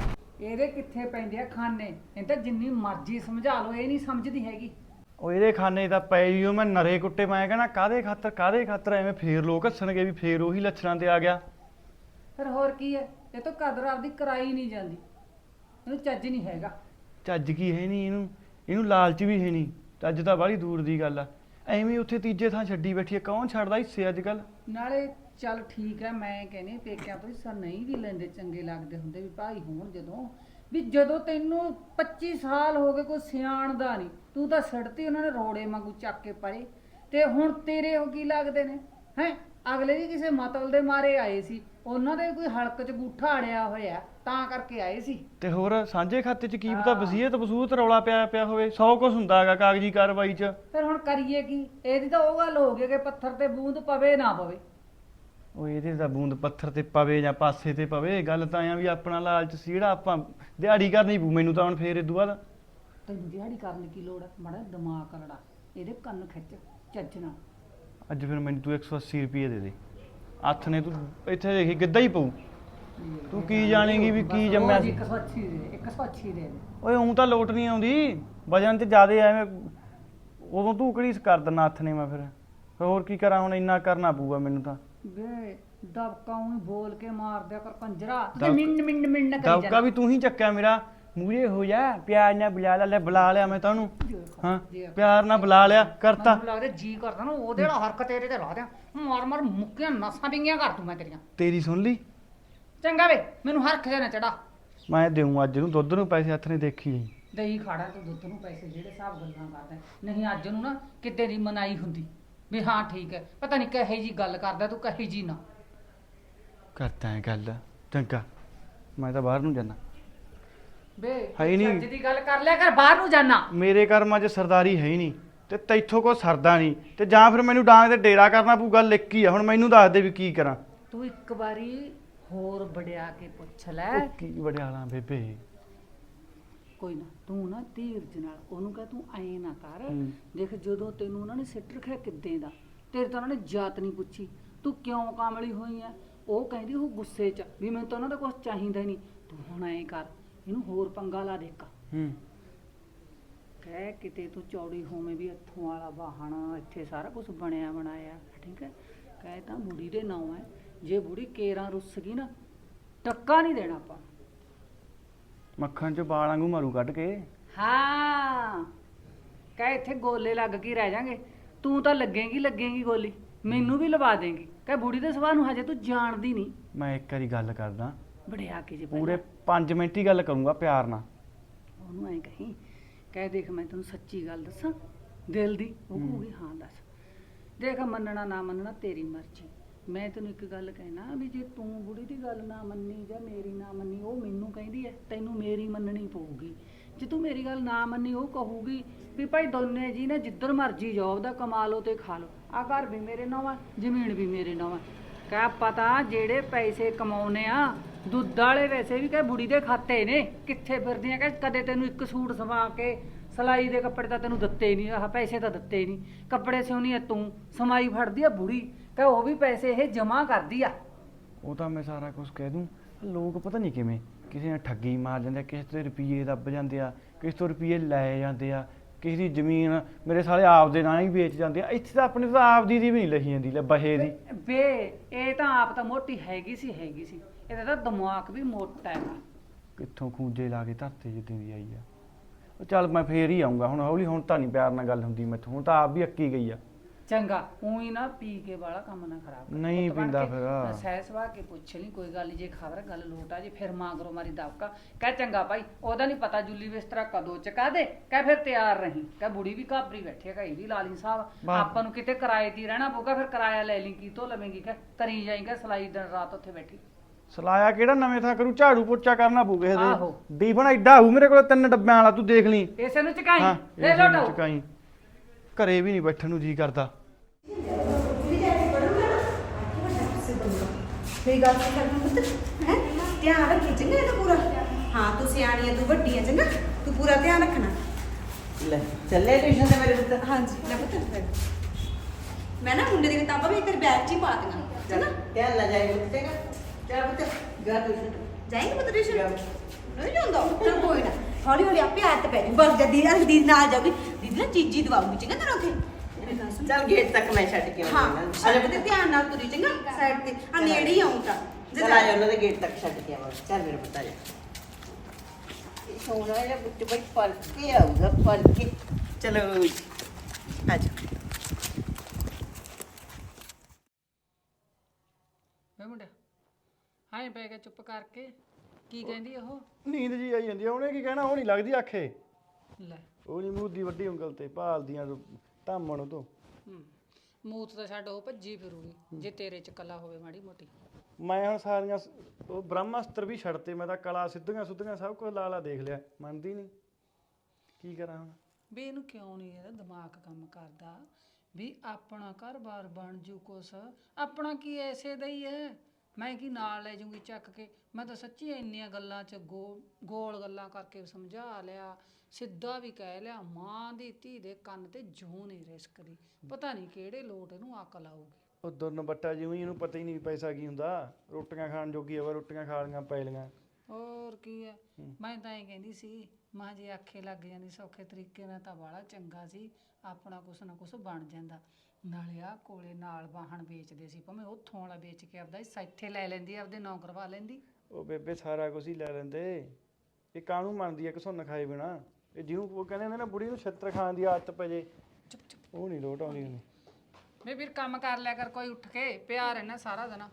ਇਹਦੇ ਕਿੱਥੇ ਪੈਂਦੇ ਆ ਖਾਨੇ, ਇਹ ਤਾਂ ਜਿੰਨੀ ਮਰਜ਼ੀ ਸਮਝਾ ਲਓ ਇਹ ਨਹੀਂ ਸਮਝਦੀ ਹੈਗੀ। ਉਹ ਇਹਦੇ ਖਾਨੇ ਤਾਂ ਪੈ ਹੀ ਉਹ ਮੈਂ ਨਰੇ ਕੁੱਟੇ ਮੈਂ ਕਹਿੰਦਾ ਕਾਦੇ ਖਾਤਰ ਕਾਦੇ ਖਾਤਰ ਐਵੇਂ ਫੇਰ ਲੋਕ ਹੱਸਣਗੇ ਵੀ ਫੇਰ ਉਹੀ ਲੱਛਣਾਂ ਤੇ ਆ ਗਿਆ। ਫਿਰ ਹੋਰ ਕੀ ਹੈ, ਇਹ ਤਾਂ ਕਦਰ ਆਪਦੀ ਕਰਾਈ ਨਹੀਂ ਜਾਂਦੀ, ਇਹਨੂੰ ਚੱਜ ਨਹੀਂ ਹੈਗਾ। ਚੱਜ ਕੀ ਹੈ ਨਹੀਂ ਇਹਨੂੰ, ਇਹਨੂੰ ਲਾਲਚ ਵੀ ਹੈ ਨਹੀਂ, ਚੱਜ ਤਾਂ ਬਾਹਲੀ ਦੂਰ ਦੀ ਗੱਲ ਆ। ਐਵੇਂ ਉੱਥੇ ਤੀਜੇ ਥਾਂ ਛੱਡੀ ਬੈਠੀ ਹੈ, ਕੌਣ ਛੱਡਦਾ ਹਿੱਸੇ ਅੱਜ ਕੱਲ। ਨਾਲੇ ਚੱਲ ਠੀਕ ਹੈ, ਮੈਂ ਕਹਿੰਦੀ ਪੇਕਿਆਂ ਤੋਂ ਹਿੱਸਾ ਨਹੀਂ ਵੀ ਲੈਂਦੇ ਚੰਗੇ ਲੱਗਦੇ ਹੁੰਦੇ ਵੀ ਭਾਈ ਹੋਣ, ਜਦੋਂ ਵੀ ਜਦੋਂ ਤੈਨੂੰ ਪੱਚੀ ਸਾਲ ਹੋ ਗਏ ਕੋਈ ਸਿਆਣਦਾ ਨਹੀਂ, ਤੂੰ ਤਾਂ ਸੜਤੀ ਉਹਨਾਂ ਨੇ ਰੋੜੇ ਵਾਂਗੂ ਚੱਕ ਕੇ ਪਰੇ, ਤੇ ਹੁਣ ਤੇਰੇ ਉਹ ਕੀ ਲੱਗਦੇ ਨੇ ਹੈ। ਅਗਲੇ ਵੀ ਕਿਸੇ ਮਤਲਬ ਦੇ ਮਾਰੇ ਆਏ ਸੀ, ਉਹਨਾਂ ਦੇ ਕੋਈ ਹਲਕ ਚ ਗੂਠਾ ਅੜਿਆ ਹੋਇਆ ਤਾਂ ਕਰਕੇ ਆਏ ਸੀ। ਤੇ ਹੋਰ ਸਾਂਝੇ ਖਾਤੇ ਚ ਕੀ ਪਤਾ ਵਸੀਅਤ ਵਸੂਤ ਰੌਲਾ ਪਿਆ ਪਿਆ ਹੋਵੇ, ਸੌ ਕੁਛ ਹੁੰਦਾ ਹੈਗਾ ਕਾਗਜ਼ੀ ਕਾਰਵਾਈ ਚ। ਫਿਰ ਹੁਣ ਕਰੀਏ ਕੀ, ਇਹਦੀ ਤਾਂ ਉਹ ਗੱਲ ਹੋ ਗਈ ਕਿ ਪੱਥਰ ਤੇ ਬੂੰਦ ਪਵੇ ਨਾ ਪਵੇ। ਉਹ ਇਹਦੇ ਦਾ ਬੂੰਦ ਪੱਥਰ ਤੇ ਪਵੇ ਜਾਂ ਪਾਸੇ ਤੇ ਪਵੇ, ਗੱਲ ਤਾਂ ਆ ਵੀ ਆਪਣਾ ਲਾਲਚ ਸੀ ਜਿਹੜਾ ਆਪਾਂ ਦਿਹਾੜੀ ਕਰਨੀ ਪਊ ਮੈਨੂੰ ਤਾਂ ਹੁਣ ਫੇਰ ਇਦੋਂ ਬਾਅਦ। ਤੈਨੂੰ ਦਿਹਾੜੀ ਕਰਨ ਦੀ ਕੀ ਲੋੜ ਹੈ, ਮਾੜਾ ਦਿਮਾਗ ਲੜਾ, ਇਹਦੇ ਕੰਨ ਖਿੱਚ ਚੱਜ ਨਾਲ। ਅੱਜ ਫਿਰ ਮੈਨੂੰ ਤੂੰ ਇੱਕ ਸੌ ਅੱਸੀ ਰੁਪਏ ਦੇ ਦੇ, ਹੱਥ ਨੇ ਤੂੰ ਇੱਥੇ ਦੇਖੀ ਗਿੱਧਾ ਹੀ ਪਊ। ਤੂੰ ਕੀ ਜਾਣੇਗੀ ਵੀ ਕੀ ਜੰਮਿਆ ਸੀ। ਇੱਕ ਸੌ ਅੱਸੀ ਦੇ ਦੇ, ਇੱਕ ਸੌ ਅੱਸੀ ਦੇ ਦੇ। ਓਏ ਉਂ ਤਾਂ ਲੋਟ ਨਹੀਂ ਆਉਂਦੀ, ਵਜਨ ਤੇ ਜ਼ਿਆਦੇ ਐਵੇਂ ਉਦੋਂ ਤੂੰ ਕਿਹੜੀ ਕਰ ਦਿੰਦਾ ਹੱਥ ਨੇ ਮੈਂ ਫਿਰ ਫਿਰ ਹੋਰ ਕੀ ਕਰਾਂ ਹੁਣ, ਇੰਨਾ ਕਰਨਾ ਪਊਗਾ ਮੈਨੂੰ ਤਾਂ। ਵੇ ਦਬਕਾ ਉਹੀ ਬੋਲ ਕੇ ਮਾਰ ਦਿਆ ਕਰ ਕੰਜਰਾ, ਤੇ ਦਬਕਾ- ਮਿੰਨ ਮਿੰਨ ਮਿੰਨ ਕਰੀ ਦਬਕਾ ਜਾ। ਵੀ ਤੂੰ ਹੀ ਚੱਕਿਆ ਮੇਰਾ, ਮੂਹਰੇ ਹੋ ਜਾ ਪਿਆਰ ਨਾਲ ਬੁਲਾ ਲੈ, ਲੈ ਬੁਲਾ ਲਿਆ ਮੈਂ ਤੁਹਾਨੂੰ, ਹਾਂ ਪਿਆਰ ਨਾਲ ਬੁਲਾ ਲਿਆ ਕਰਤਾ। ਮੈਨੂੰ ਲੱਗਦਾ ਜੀ ਕਰਦਾ ਨਾ ਉਹਦੇ ਨਾਲ ਹਰਕਤ ਤੇਰੇ ਤੇ ਲਾ ਦਿਆਂ, ਮਾਰ ਮਾਰ ਮੁੱਕੀਆਂ ਨਸਾਂ ਵਿੰਗੀਆਂ ਕਰ ਦੂੰ ਮੈਂ ਤੇਰੀਆਂ। ਤੇਰੀ ਸੁਣ ਲਈ, ਚੰਗਾ ਵੇ ਮੈਨੂੰ ਹਰਖ ਜਾ ਨਾ ਚੜਾ। ਮੈਂ ਦੇਉਂ ਅੱਜ ਨੂੰ ਦੁੱਧ ਨੂੰ ਪੈਸੇ ਹੱਥ ਨੇ ਦੇਖੀ ਜਾਈ। ਦਹੀਂ ਖਾੜਾ ਤੂੰ ਦੁੱਧ ਨੂੰ ਪੈਸੇ ਜਿਹੜੇ ਹਿਸਾਬ ਗੱਲਾਂ ਕਰਦਾ, ਨਹੀਂ ਅੱਜ ਨੂੰ ਨਾ ਕਿਤੇ ਦੀ ਮਨਾਈ ਹੁੰਦੀ ਵੀ ਹਾਂ ਠੀਕ ਹੈ, ਪਤਾ ਨਹੀਂ ਕਹੇ ਜੀ ਗੱਲ ਕਰਦਾ ਤੂੰ, ਕਹੇ ਜੀ ਨਾ ਕਰਤਾ ਹੈ ਗੱਲ। ਚੰਗਾ ਮੈਂ ਤਾਂ ਬਾਹਰ ਨੂੰ ਜਾਣਾ। ਵੇ ਹੈ ਹੀ ਨਹੀਂ। ਅੱਜ ਦੀ ਗੱਲ ਕਰ ਲਿਆ ਕਰ, ਬਾਹਰ ਨੂੰ ਜਾਣਾ। ਮੇਰੇ ਕਰਮਾਂ 'ਚ ਸਰਦਾਰੀ ਹੈ ਹੀ ਨਹੀਂ ਤੇ ਤੈਥੋਂ ਕੋ ਸਰਦਾ ਨਹੀਂ, ਤੇ ਜਾਂ ਫਿਰ ਮੈਨੂੰ ਡਾਂਗ ਤੇ ਡੇਰਾ ਕਰਨਾ ਪਊ। ਗੱਲ ਇੱਕ ਹੀ ਆ, ਹੁਣ ਮੈਨੂੰ ਦੱਸ ਦੇ ਵੀ ਕੀ ਕਰਾਂ। ਤੂੰ ਇੱਕ ਵਾਰੀ ਹੋਰ ਵੜਿਆ ਕੇ ਪੁੱਛ ਲੈ। ਉਹ ਕੀ ਵਡਿਆਲਾ ਬੇਬੇ। ਕੋਈ ਨਾ ਤੂੰ ਨਾ ਧੀਰਜ ਨਾਲ ਉਹਨੂੰ ਕਹ, ਤੂੰ ਐਂ ਨਾ ਕਰ, ਹੂੰ। ਦੇਖ ਜਦੋਂ ਤੈਨੂੰ ਉਹਨਾਂ ਨੇ ਸਿੱਟ ਰੱਖਿਆ ਕਿੱਦਾਂ ਦਾ, ਤੇਰੇ ਤਾਂ ਉਹਨਾਂ ਨੇ ਜਾਤ ਨਹੀਂ ਪੁੱਛੀ, ਤੂੰ ਕਿਉਂ ਕਾਮਲੀ ਹੋਈ ਆ। ਉਹ ਕਹਿੰਦੀ ਉਹ ਗੁੱਸੇ 'ਚ ਵੀ ਮੈਨੂੰ ਤਾਂ ਉਹਨਾਂ ਦਾ ਕੁਝ ਚਾਹੀਦਾ ਹੀ ਨਹੀਂ। ਤੂੰ ਹੁਣ ਐਂ ਕਰ, ਇਹਨੂੰ ਹੋਰ ਪੰਗਾ ਲਾ ਦੇ ਇੱਕ, ਹੂੰ ਕਹਿ ਕਿਤੇ ਤੂੰ ਚੌੜੀ ਹੋਵੇਂ ਵੀ ਇੱਥੋਂ ਵਾਲਾ ਵਾਹਣ, ਇੱਥੇ ਸਾਰਾ ਕੁਝ ਬਣਿਆ ਬਣਾਇਆ, ਠੀਕ ਹੈ। ਕਹਿ ਤਾਂ ਬੁੜੀ ਦੇ ਨਾਂ ਹੈ, ਜੇ ਬੁੜੀ ਕੇਰਾਂ ਰੁੱਸ ਗਈ ਨਾ ਟੱਕਾ ਨਹੀਂ ਦੇਣਾ ਆਪਾਂ। ਮੱਖਣ 'ਚ ਵਾਲ ਵਾਂਗੂ ਮਾਰੂ ਕੱਢ ਕੇ। ਹਾਂ ਕਹਿ ਇੱਥੇ ਗੋਲੇ ਲੱਗ ਕੇ ਰਹਿ ਜਾਾਂਗੇ, ਤੂੰ ਤਾਂ ਲੱਗੇਗੀ ਲੱਗੇਗੀ ਗੋਲੀ, ਮੈਨੂੰ ਵੀ ਲਵਾ ਦੇਂਗੀ। ਕਹਿ ਬੁੜੀ ਦੇ ਸੁਭਾਅ ਨੂੰ ਹਜੇ ਤੂੰ ਜਾਣਦੀ ਨਹੀਂ। ਮੈਂ ਇੱਕ ਵਾਰੀ ਗੱਲ ਕਰਦਾ, ਵੜਿਆ ਕੇ ਜੇ ਪੂਰੇ ਪੰਜ ਮਿੰਟ ਹੀ ਗੱਲ ਕਰੂੰਗਾ ਪਿਆਰ ਨਾਲ। ਉਹਨੂੰ ਐਂ ਕਹੀਂ, ਕਹਿ ਦੇਖ ਮੈਂ ਤੈਨੂੰ ਸੱਚੀ ਗੱਲ ਦੱਸਾਂ ਦਿਲ ਦੀ। ਉਹ ਹੂੰ। ਕਹੂਗੀ ਹਾਂ ਦੱਸ। ਦੇਖ ਮੰਨਣਾ ਨਾ ਮੰਨਣਾ ਤੇਰੀ ਮਰਜ਼ੀ, ਮੈਂ ਤੈਨੂੰ ਇੱਕ ਗੱਲ ਕਹਿਣਾ ਵੀ ਜੇ ਤੂੰ ਬੁੜੀ ਦੀ ਗੱਲ ਨਾ ਮੰਨੀ ਜਾਂ ਮੇਰੀ ਨਾ ਮੰਨੀ, ਉਹ ਮੈਨੂੰ ਕਹਿੰਦੀ ਐ, ਤੈਨੂੰ ਮੇਰੀ ਮੰਨਣੀ ਪਊਗੀ। ਜੇ ਤੂੰ ਮੇਰੀ ਗੱਲ ਨਾ ਮੰਨੀ, ਉਹ ਕਹੂਗੀ ਵੀ ਭਾਈ ਦੋਨੇ ਜੀ ਨੇ ਜਿੱਧਰ ਮਰਜ਼ੀ ਜੋਬ ਦਾ ਕਮਾ ਲਓ ਤੇ ਖਾ ਲਓ, ਆ ਘਰ ਵੀ ਮੇਰੇ ਨਾਂ ਆ, ਜ਼ਮੀਨ ਵੀ ਮੇਰੇ ਨਾਂ ਆ। ਕਹਿ ਪਤਾ ਜਿਹੜੇ ਪੈਸੇ ਕਮਾਉਨੇ ਆ ਦੁੱਧ ਵਾਲੇ ਵੈਸੇ ਵੀ ਕਹਿ ਬੁੜੀ ਦੇ ਖਾਤੇ ਨੇ, ਕਿੱਥੇ ਫਿਰਦੀਆਂ। ਕਹਿ ਕਦੇ ਤੈਨੂੰ ਇੱਕ ਸੂਟ ਸਵਾ ਕੇ ਸਿਲਾਈ ਦੇ ਕੱਪੜੇ ਤਾਂ ਤੈਨੂੰ ਦਿੱਤੇ ਨਹੀਂ, ਆਹ ਪੈਸੇ ਤਾਂ ਦਿੱਤੇ ਨਹੀਂ, ਕੱਪੜੇ ਸਿਉਣੀ ਆ ਤੂੰ, ਸਮਾਈ ਫੜਦੀ ਆ ਬੁੜੀ, ਕਹਿ ਉਹ ਵੀ ਪੈਸੇ ਇਹ ਜਮਾ ਕਰਦੀ ਆ। ਉਹ ਤਾਂ ਮੈਂ ਸਾਰਾ ਕੁਝ ਕਹਿ ਦੂੰ, ਲੋਕ ਪਤਾ ਨਹੀਂ ਕਿਵੇਂ ਕਿਸੇ ਨੇ ਠੱਗੀ ਮਾਰ ਜਾਂਦੇ ਆ, ਕਿਸੇ ਤੋਂ ਰੁਪਈਏ ਦੱਬ ਜਾਂਦੇ ਆ, ਕਿਸੇ ਤੋਂ ਰੁਪਈਏ ਲੈ ਜਾਂਦੇ ਆ, ਕਿਸੇ ਦੀ ਜ਼ਮੀਨ ਮੇਰੇ ਸਾਲੇ ਆਪ ਦੇ ਨਾਲ ਹੀ ਵੇਚ ਜਾਂਦੇ ਆ। ਇੱਥੇ ਤਾਂ ਆਪਣੇ ਤਾਂ ਆਪ ਦੀ ਦੀ ਵੀ ਨਹੀਂ ਲਹੀ ਜਾਂਦੀ, ਲੈ ਬਹੇ ਦੀ। ਵੇ ਇਹ ਤਾਂ ਆਪ ਤਾਂ ਮੋਟੀ ਹੈਗੀ ਸੀ ਹੈਗੀ ਸੀ, ਇਹਦਾ ਤਾਂ ਦਿਮਾਗ ਵੀ ਮੋਟਾ ਹੈਗਾ। ਕਿੱਥੋਂ ਖੂੰਜੇ ਲਾ ਕੇ ਧਰਤੇ ਜਿੱਦਾਂ ਦੀ ਆਈ ਆ। ਉਹ ਚੱਲ ਮੈਂ ਫੇਰ ਹੀ ਆਉਂਗਾ ਹੁਣ ਹੌਲੀ, ਹੁਣ ਤਾਂ ਨਹੀਂ ਪਿਆਰ ਨਾਲ ਗੱਲ ਹੁੰਦੀ ਮੈਥੋਂ, ਹੁਣ ਤਾਂ ਆਪ ਵੀ ਅੱਕੀ ਗਈ ਆ। ਚੰਗਾ ਉਹੀ ਨਾ ਪੀ ਕੇ ਵਾਲਾ ਕੰਮ ਨਾ ਖਰਾਬ ਕਰ। ਨਹੀਂ ਪੁੱਤ ਬਣ ਪੀਂਦਾ ਕੇ ਫਿਰ। ਸਹਿ ਸਵਾ ਕੇ ਪੁੱਛ ਲਈ, ਕੋਈ ਗੱਲ ਨਹੀਂ, ਜੇ ਖਬਰ ਗੱਲ ਲੋਟਾ ਜੇ ਫਿਰ ਮਾਂਗਰੋ ਮਾਰੀ ਦਬਕਾ। ਕਹਿ ਚੰਗਾ ਭਾਈ ਉਹਦਾ ਨਹੀਂ ਪਤਾ ਜੁੱਲੀ ਬਿਸਤਰਾ ਕਦੋਂ ਚਕਾ ਦੇ, ਕਹਿ ਫਿਰ ਤਿਆਰ ਰਹੀਂ। ਕਹਿ ਬੁੜੀ ਵੀ ਘਾਬਰੀ ਬੈਠੀ ਹੈ, ਕਹੀ ਵੀ ਲਾਲੀ ਸਾਹਿਬ ਆਪਾਂ ਨੂੰ ਕਿਤੇ ਕਿਰਾਏ ਤੇ ਰਹਿਣਾ ਪਊਗਾ, ਫਿਰ ਕਿਰਾਇਆ ਲੈ ਲਈ ਕੀ ਤੋਂ ਲਵੇਂਗੀ। ਕਹਿ ਕਰੀ ਜਾਏਗਾ ਸਲਾਈ ਦਿਨ ਰਾਤ ਉੱਥੇ ਬੈਠੀ। ਸਲਾਇਆ ਕਿਹੜਾ ਨਵੇਂ ਥਾਂ ਕਰੂ, ਝਾੜੂ ਪੋਚਾ ਕਰਨਾ ਪਊ ਕਿਸੇ ਆਹੋ। ਦੇ। ਡੀਫਨ ਐਡਾ ਹੋਊ ਮੇਰੇ ਕੋਲ ਤਿੰਨ ਡੱਬਿਆਂ ਵਾਲਾ, ਤੂੰ ਦੇਖ ਲਈ। ਇਸੇ ਨੂੰ ਚਕਾਈ ਹਾਂ ਲੈ ਇਸੇ ਨੂੰ ਲੋਟੋ। ਚੁਕਾਈ, ਘਰੇ ਵੀ ਨਹੀਂ ਬੈਠਣ ਨੂੰ ਜੀ ਕਰਦਾ। ਮੇਰੀ ਗੱਲ ਸੁਣ ਕਰਨਾ ਪੁੱਤ, ਹੈ ਧਿਆਨ ਰੱਖੀ ਚੰਗਾ ਇਹਦਾ ਪੂਰਾ। ਹਾਂ ਤੂੰ ਸਿਆਣੀ ਹੈ, ਤੂੰ ਵੱਡੀ ਹੈ, ਚੰਗਾ ਤੂੰ ਪੂਰਾ ਧਿਆਨ ਰੱਖਣਾ। ਲੈ ਚੱਲੇ ਟਿਊਸ਼ਨ ਤੇ ਮੇਰੇ ਪੁੱਤ। ਹਾਂਜੀ ਲੈ ਪੁੱਤ, ਮੈਂ ਨਾ ਮੁੰਡੇ ਦੀ ਕਿਤਾਬਾਂ ਵੀ ਤੇਰੇ ਬੈਗ 'ਚ ਹੀ ਪਾ ਦਿੰਦਾ, ਚੰਗਾ। ਧਿਆਨ ਨਾਲ ਜਾਈ ਪੁੱਤ, ਚੰਗਾ। ਚੱਲ ਪੁੱਤ ਜਾ ਟਿਊਸ਼ਨ। ਜਾਏਂਗੇ ਪੁੱਤ ਟਿਊਸ਼ਨ? ਨਹੀਂ ਜਾਂਦਾ ਚਲ ਕੋਈ ਨਾ ਹੌਲੀ ਹੌਲੀ ਆਪੇ ਆਦਤ ਪੈ ਜੂ ਬਸ ਜਦੀ ਦੀਦੀ ਨਾਲ ਜਾਊਗੀ ਦੀਦੀ ਨਾ ਚੀਜ਼ੀ ਦਵਾਉਗੀ ਚੰਗਾ ਤੈਨੂੰ ਉੱਥੇ ਮੇਰੀ ਗੱਲ ਸੁਣ। ਚੱਲ ਗੇਟ ਤੱਕ ਮੈਂ ਛੱਡ ਕੇ ਹਾਂ ਆਉਂਦੀ ਸੜਕ ਤੇ ਧਿਆਨ ਨਾਲ ਤੁਰੀ ਚੰਗਾ ਸਾਈਡ ਤੇ ਆ ਨੇੜੇ ਹੀ ਆਉਂ ਤਾਂ ਚਲ ਆ ਜਾ ਉਹਨਾਂ ਦੇ ਗੇਟ ਤੱਕ ਛੱਡ ਕੇ ਆਵਾਂ ਚੱਲ ਮੇਰੇ ਪੁੱਤ ਆ ਜਾ ਇਹ ਸੋਹਣਾ ਜਿਹਾ ਬੁੱਟ ਬਈ ਪੜ ਕੇ ਆਊਗਾ ਪੜ ਕੇ ਚਲੋ ਜੀ, ਆ ਜਾ ਵੇ ਮੁੰਡਿਆ ਹਾਂ ਪੈ ਗਿਆ ਚੁੱਪ ਕਰਕੇ ਕੀ ਕਹਿੰਦੀ ਉਹ ਨੀਂਦ ਜੀ ਆਈ ਜਾਂਦੀ ਆ, ਉਹਨੇ ਕੀ ਕਹਿਣਾ, ਉਹ ਨਹੀਂ ਲੱਗਦੀ ਆਖੇ। ਲੈ ਉਹ ਨਹੀਂ ਮੂੰਹ ਦੀ ਵੱਡੀ ਉਂਗਲ ਤੇ ਭਾਲਦੀਆਂ ਧਾਮਣ ਤੋਂ। ਹੂੰ ਮੂਤ ਤਾਂ ਛੱਡ ਉਹ ਭੱਜੀ ਫਿਰੂਗੀ ਜੇ ਤੇਰੇ ਚ ਕਲਾ ਹੋਵੇ ਮਾੜੀ ਮੋਟੀ। ਮੈਂ ਹੁਣ ਸਾਰੀਆਂ ਸ- ਉਹ ਬ੍ਰਹਮਾਸਤਰ ਵੀ ਛੱਡਤੇ, ਮੈਂ ਤਾਂ ਕਲਾ ਸਿੱਧੀਆਂ ਸੁੱਧੀਆਂ ਸਭ ਕੁਝ ਲਾ ਲਾ ਦੇਖ ਲਿਆ, ਮੰਨਦੀ ਨਹੀਂ। ਕੀ ਕਰਾਂ ਹੁਣ? ਵੀ ਇਹਨੂੰ ਕਿਉਂ ਨਹੀਂ ਇਹਦਾ ਦਿਮਾਗ ਕੰਮ ਕਰਦਾ ਵੀ ਆਪਣਾ ਘਰ-ਬਾਰ ਬਣ ਜੂ ਕੁਛ, ਆਪਣਾ ਕੀ ਐਸੇ ਦਾ ਹੀ ਹੈ। ਮੈਂ ਕੀ ਨਾਲ ਲੈ ਜੂੰਗੀ ਚੱਕ ਕੇ, ਮੈਂ ਤਾਂ ਸੱਚੀ ਇੰਨੀਆਂ ਗੱਲਾਂ 'ਚ ਗੋ ਗੋਲ ਗੱਲਾਂ ਕਰਕੇ ਸਮਝਾ ਲਿਆ, ਸਿੱਧਾ ਵੀ ਕਹਿ ਲਿਆ। ਮਾਂ ਦੀ ਧੀ ਦੇ ਕੰਨ ਤੇ ਜੂੰ ਨਹੀਂ ਰਿਸਕਦੀ, ਪਤਾ ਨਹੀਂ ਕਿਹੜੇ ਲੋਟ ਇਹਨੂੰ ਅਕਲ ਆਊਗੀ। ਉਹ ਦੁਰਨ ਬੱਟਾ ਜਿਵੇਂ ਇਹਨੂੰ ਪਤਾ ਹੀ ਨਹੀਂ ਪੈਸਾ ਕੀ ਹੁੰਦਾ, ਰੋਟੀਆਂ ਖਾਣ ਜੋਗੀ ਆ, ਰੋਟੀਆਂ ਖਾ ਲੀਆਂ ਪੈ ਲੀਆਂ। ਹੋਰ ਕੀ ਹੈ, ਮੈਂ ਤਾਂ ਇਹ ਕਹਿੰਦੀ ਸੀ ਮਾਂ ਜੇ ਆਖੇ ਲੱਗ ਜਾਂਦੀ ਸੌਖੇ ਤਰੀਕੇ ਨਾਲ ਤਾਂ ਬਾਹਲਾ ਚੰਗਾ ਸੀ, ਆਪਣਾ ਕੁਛ ਨਾ ਕੁਛ ਬਣ ਜਾਂਦਾ। ਨਾਲੇ ਆ ਕੋਲੇ ਨਾਲ ਵਾਹਣ ਵੇਚਦੇ ਸੀ, ਭਾਵੇਂ ਉੱਥੋਂ ਵਾਲਾ ਵੇਚ ਕੇ ਆਪਦਾ ਹਿੱਸਾ ਇੱਥੇ ਲੈ ਲੈਂਦੀ, ਆਪਦੇ ਨਾਂ ਕਰਵਾ ਲੈਂਦੀ। ਉਹ ਬੇਬੇ ਸਾਰਾ ਕੁਝ ਹੀ ਲੈ ਲੈਂਦੇ, ਇਹ ਕਾਹਨੂੰ ਮੰਨਦੀ ਆ ਘਸੁੰਨ ਖਾਏ ਬਿਨਾ। ਇਹ ਜਿਹਨੂੰ ਉਹ ਕਹਿੰਦੇ ਹੁੰਦੇ ਨਾ ਬੁੜੀ ਨੂੰ ਛਿੱਤਰ ਖਾਣ ਦੀ ਆਦਤ ਪੈ ਜੇ, ਚੁੱਪ ਚੁੱਪ ਉਹ ਨਹੀਂ ਲੋਟ ਆਉਂਦੀ ਉਹਨੂੰ। ਮੈਂ ਵੀਰ ਕੰਮ ਕਰ ਲਿਆ ਕਰ ਕੋਈ ਉੱਠ ਕੇ, ਪਿਆ ਰਹਿਣਾ ਸਾਰਾ ਦਿਨ।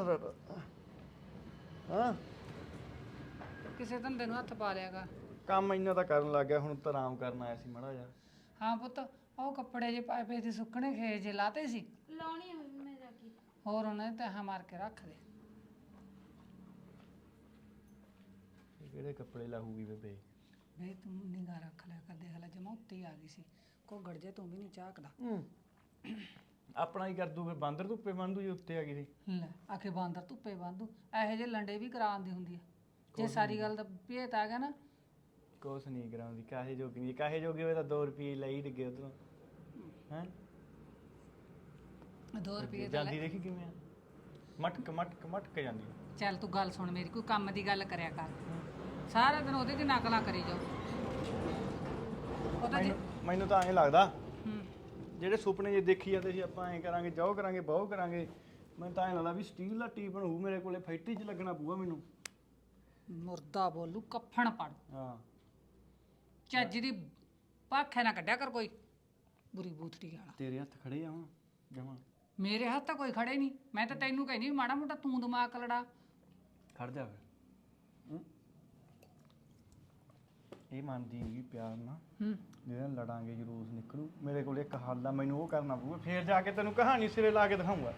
ਹਾਂ ਕਿਸੇ ਧੰਦੇ ਨੂੰ ਹੱਥ ਪਾ ਲਿਆ ਕਰ। ਕੰਮ ਇੰਨਾ ਤਾਂ ਕਰਨ ਲੱਗ ਗਿਆ, ਹੁਣ ਤਾਂ ਆਰਾਮ ਕਰਨ ਆਇਆ ਸੀ ਮਾੜਾ ਜਿਹਾ। ਹਾਂ ਪੁੱਤ ਉਹ ਕੱਪੜੇ ਜੇ ਪਾਏ ਪਏ ਸੀ ਸੁੱਕਣੇ ਖੇ ਜੇ ਲਾਤੇ ਸੀ, ਲਾਉਣੀ ਆ ਮੈਂ ਜਾ ਕੇ। ਹੋਰ ਉਹਨਾਂ ਨੇ ਤਹਾਂ ਮਾਰ ਕੇ ਰੱਖ ਦੇ। ਇਹ ਕਿਹੜੇ ਕੱਪੜੇ ਲਾਹੂਗੀ ਬੇਬੇ? ਵੇ ਤੂੰ ਨਿਗਾਹ ਰੱਖ ਲਿਆ ਕਰ, ਦੇਖ ਲੈ ਜਮਾ ਉੱਤੇ ਹੀ ਆ ਗਈ ਸੀ, ਕੋ ਗੜਜੇ ਤੂੰ ਵੀ ਨਹੀਂ ਝਾਕਦਾ। ਆਪਣਾ ਹੀ ਕਰ ਦੂ, ਫਿਰ ਬਾਂਦਰ ਧੁੱਪੇ ਬੰਦੂ ਜੀ ਉੱਤੇ ਆ ਗਈ ਸੀ। ਲੈ ਆਖੇ ਬਾਂਦਰ ਧੁੱਪੇ ਬੰਦੂ, ਇਹੋ ਜਿਹੇ ਲੰਡੇ ਵੀ ਕਰਾਉਂਦੀ ਹੁੰਦੀ ਹੈ। ਜੇ ਸਾਰੀ ਗੱਲ ਦਾ ਭੇਤ ਆ ਗਿਆ ਨਾ, ਕੁਛ ਨਹੀਂ ਕਰਾਉਂਦੀ, ਕਾਹੇ ਜੋਗੀ ਨਹੀਂ, ਕਾਹੇ ਜੋਗੀ ਹੋਵੇ ਤਾਂ ਦੋ ਰੁਪਏ ਲਈ ਡਿੱਗੇ ਉਧਰੋਂ। ਹੈ ਦੋ ਰੁਪਏ ਦਾ ਜਾਂਦੀ ਦੇਖੀ ਕਿਵੇਂ ਆ, ਮਟਕ ਮਟਕ ਮਟਕ ਜਾਂਦੀ ਆ। ਚੱਲ ਤੂੰ ਗੱਲ ਸੁਣ ਮੇਰੀ, ਕੋਈ ਕੰਮ ਦੀ ਗੱਲ ਕਰਿਆ ਕਰ, ਸਾਰਾ ਦਿਨ ਉਹਦੇ 'ਚ ਨਕਲਾਂ ਕਰੀ ਜਾਓ। ਉਹਦਾ ਜੀ ਮੈਨੂੰ ਮੈਨੂੰ ਤਾਂ ਐਂ ਲੱਗਦਾ ਹੂੰ ਜਿਹੜੇ ਸੁਪਨੇ ਜੇ ਦੇਖੀ ਜਾਂਦੇ ਸੀ ਆਪਾਂ ਐਂ ਕਰਾਂਗੇ, ਜਾਓ ਕਰਾਂਗੇ, ਬਹੁ ਕਰਾਂਗੇ, ਮੈਨੂੰ ਤਾਂ ਐਂ ਲੱਗਦਾ ਵੀ ਸਟੀਲ ਦਾ ਟੀਪਨ ਹੋਊ ਮੇਰੇ ਕੋਲੇ, ਫੈਕਟਰੀ 'ਚ ਲੱਗਣਾ ਪਊਗਾ ਮੈਨੂੰ। ਮੁਰਦਾ ਬੋਲੂ ਕੱਫਣ ਪੜ, ਹਾਂ ਚੱਜ ਦੀ ਭਾਖੇ ਨਾ ਕੱਢਿਆ ਕਰ ਕੋਈ ਬੁਰੀ ਬੂਥੜੀ ਵਾਲਾ। ਤੇਰੇ ਹੱਥ ਖੜੇ ਆ ਹੁਣ ਜਮਾਂ। ਮੇਰੇ ਹੱਥ ਤਾਂ ਕੋਈ ਖੜੇ ਨਹੀਂ, ਮੈਂ ਤਾਂ ਤੈਨੂੰ ਕਹਿੰਦੀ ਵੀ ਮਾੜਾ ਮੋਟਾ ਤੂੰ ਦਿਮਾਗ ਲੜਾ। ਖੜ ਜਾ ਫਿਰ। ਹੂੰ? ਇਹ ਮੰਨਦੀ ਨਹੀਂ ਪਿਆਰ ਨਾਲ, ਹੂੰ ਜਿਹਦੇ ਨਾਲ ਲੜਾਂਗੇ ਜਲੂਸ ਨਿਕਲੂ। ਮੇਰੇ ਕੋਲ ਇੱਕ ਹੱਲ ਆ, ਮੈਨੂੰ ਉਹ ਕਰਨਾ ਪਊਗਾ, ਫੇਰ ਜਾ ਕੇ ਤੈਨੂੰ ਕਹਾਣੀ ਸਿਰੇ ਲਾ ਕੇ ਦਿਖਾਊਂਗਾ।